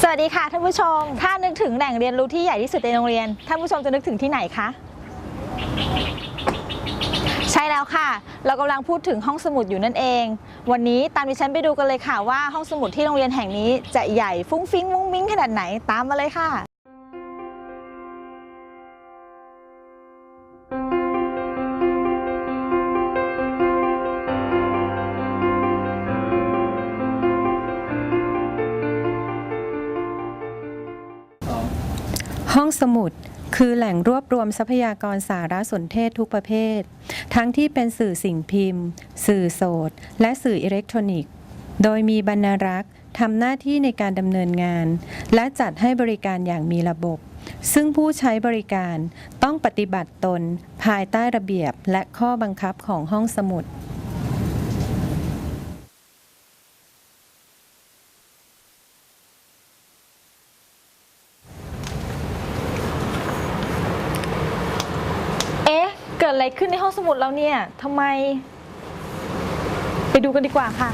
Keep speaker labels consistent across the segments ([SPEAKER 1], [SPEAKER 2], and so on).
[SPEAKER 1] วัสดีค่ะท่านผู้ชมถ้านึกถึงแหล่งเรียนรู้ที่ใหญ่ที่สุดในโรงเรียนท่านผู้ชมจะนึกถึงที่ไหนคะใช่แล้วค่ะเรากำลังพูดถึงห้องสมุดอยู่นั่นเองวันนี้ตามดิฉันไปดูกันเลยค่ะว่าห้องสมุดที่โรงเรียนแห่งนี้จะใหญ่ฟุ้งฟิ้งมุ้งมิ้งขนาดไหนตามมาเลยค่ะ
[SPEAKER 2] ห้องสมุดคือแหล่งรวบรวมทรัพยากรสารสนเทศทุกประเภททั้งที่เป็นสื่อสิ่งพิมพ์สื่อโสตและสื่ออิเล็กทรอนิกส์โดยมีบรรณารักษ์ทำหน้าที่ในการดำเนินงานและจัดให้บริการอย่างมีระบบซึ่งผู้ใช้บริการต้องปฏิบัติตนภายใต้ระเบียบและข้อบังคับของห้องสมุด
[SPEAKER 1] เกิดอะไรขึ้นในห้องสมุดเราเนี่ยทำไมไปดูกันดีกว่าค่ะ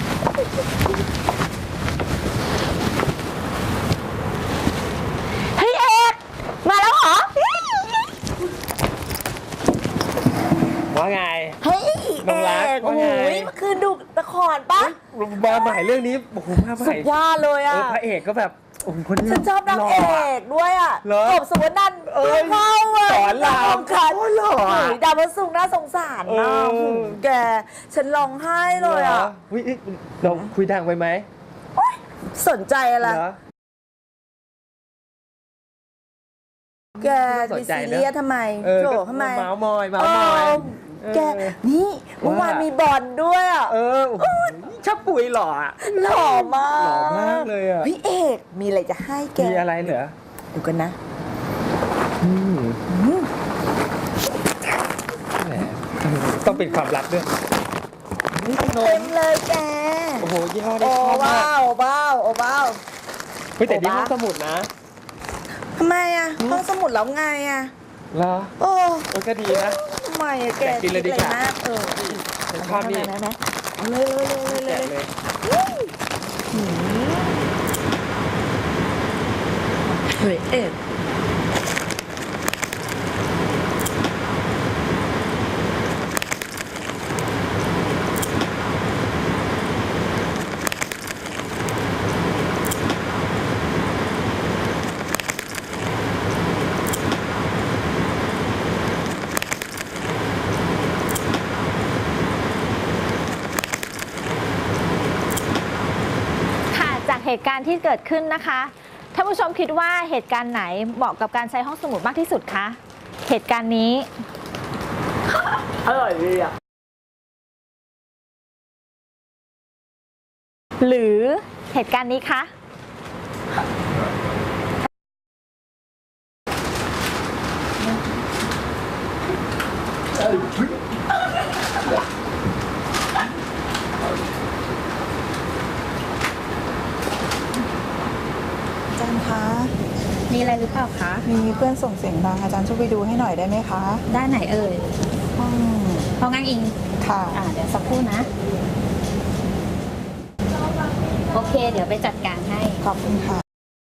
[SPEAKER 1] เฮ้ยเอกมาแล้วเหรอ
[SPEAKER 3] ว่าไง
[SPEAKER 4] เฮ้ย
[SPEAKER 3] น้องรัก
[SPEAKER 4] โอ้โหเมื่อคืนดูละครปะ
[SPEAKER 3] มาใหม่เรื่องนี้โอ้โหมาใหม่
[SPEAKER 4] สุดยอดเลยอ่ะ
[SPEAKER 3] พระเอกก็แบบโอ้โหคนนี้
[SPEAKER 4] ฉันชอบนางเอกด้วยอ่ะกบสุวรรณันท์เข้าอ่ะ
[SPEAKER 3] สอนราม
[SPEAKER 4] คันหล่อดาวพระศุกร์น่าสงสารนะแกฉันร้องไห้เลยอ่ะ
[SPEAKER 3] เราคุยดังไปไหม
[SPEAKER 4] สนใจอะไรแกมีซีเรียสทำไมโจทำไม
[SPEAKER 3] เมาส์มอย
[SPEAKER 4] แกนี่เมื่อวานมีบอลด้วยอ่ะ
[SPEAKER 3] ชอบปุ๋ยหล่อ
[SPEAKER 4] หล่อมาก
[SPEAKER 3] หล่อมากเลยอ่ะ
[SPEAKER 4] พี่เอกมีอะไรจะให้แก
[SPEAKER 3] มีอะไรเหรอ
[SPEAKER 4] ดูกันนะ
[SPEAKER 3] ต้องเป็นความลับด้วย
[SPEAKER 4] เต็มเลยแก
[SPEAKER 3] โอ้โหยี่ห้อนี้
[SPEAKER 4] โอ้ว้าว
[SPEAKER 3] เฮ้ยแต่นี่ห้องสมุดนะ
[SPEAKER 4] ทำไมอ่ะห้องสมุดแล้วไงอ่ะ
[SPEAKER 3] เหรอ
[SPEAKER 4] โอ้
[SPEAKER 3] ก็ดีนะ
[SPEAKER 4] ทำไมแก
[SPEAKER 3] กินเลยดีกว่า
[SPEAKER 4] ฉัน
[SPEAKER 3] ชอบนี่
[SPEAKER 4] เอาเลยเฮ้ยเอ็ด
[SPEAKER 1] เหตุการณ์ที่เกิดขึ้นนะคะท่านผู้ชมคิดว่าเหตุการณ์ไหนเหมาะกับการใช้ห้องสมุดมากที่สุดคะเหตุการณ์นี้
[SPEAKER 4] อร่อยดีอ่ะ
[SPEAKER 1] หรือเหตุการณ์นี้คะ
[SPEAKER 5] อาจารย์คะ
[SPEAKER 1] มีอะไรหรือเปล่าคะ
[SPEAKER 5] มีเพื่อนส่งเสียงดังอาจารย์ช่วยไปดูให้หน่อยได้ไหมคะ
[SPEAKER 1] ได้ไหนเอ่ยห้องงั่งอิง
[SPEAKER 5] ค่ะ
[SPEAKER 1] เดี๋ยวสักครู่นะโอเคเดี๋ยวไปจัดการให้
[SPEAKER 5] ขอบคุณค่ะ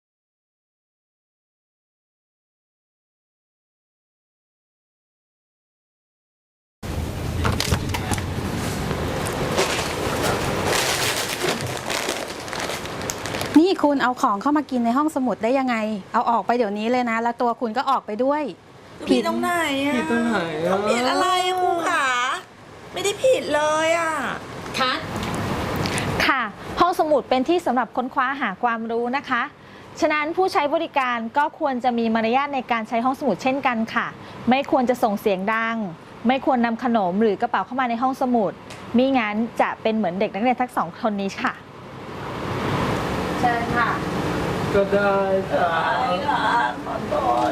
[SPEAKER 6] นี่คุณเอาของเข้ามากินในห้องสมุดได้ยังไงเอาออกไปเดี๋ยวนี้เลยนะแล้วตัวคุณก็ออกไปด้วย
[SPEAKER 4] ผิดตรงไหนอ่ะ
[SPEAKER 3] ผิดตรงไหน
[SPEAKER 4] ผิดอะไรครูขาไม่ได้ผิดเลยอ่ะ
[SPEAKER 1] ค่ะห้องสมุดเป็นที่สำหรับค้นคว้าหาความรู้นะคะฉะนั้นผู้ใช้บริการก็ควรจะมีมารยาทในการใช้ห้องสมุดเช่นกันค่ะไม่ควรจะส่งเสียงดังไม่ควรนำขนมหรือกระเป๋าเข้ามาในห้องสมุดมิงั้นจะเป็นเหมือนเด็กนักเรียนทั้งสองคนนี้ค่ะ
[SPEAKER 4] ใช่ค่ะ
[SPEAKER 3] ก็ได้
[SPEAKER 4] ค่ะขอโทษ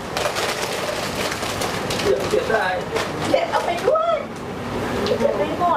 [SPEAKER 4] เดี๋ยวได้เก็บเอาไปด้วยเก็บไปหมด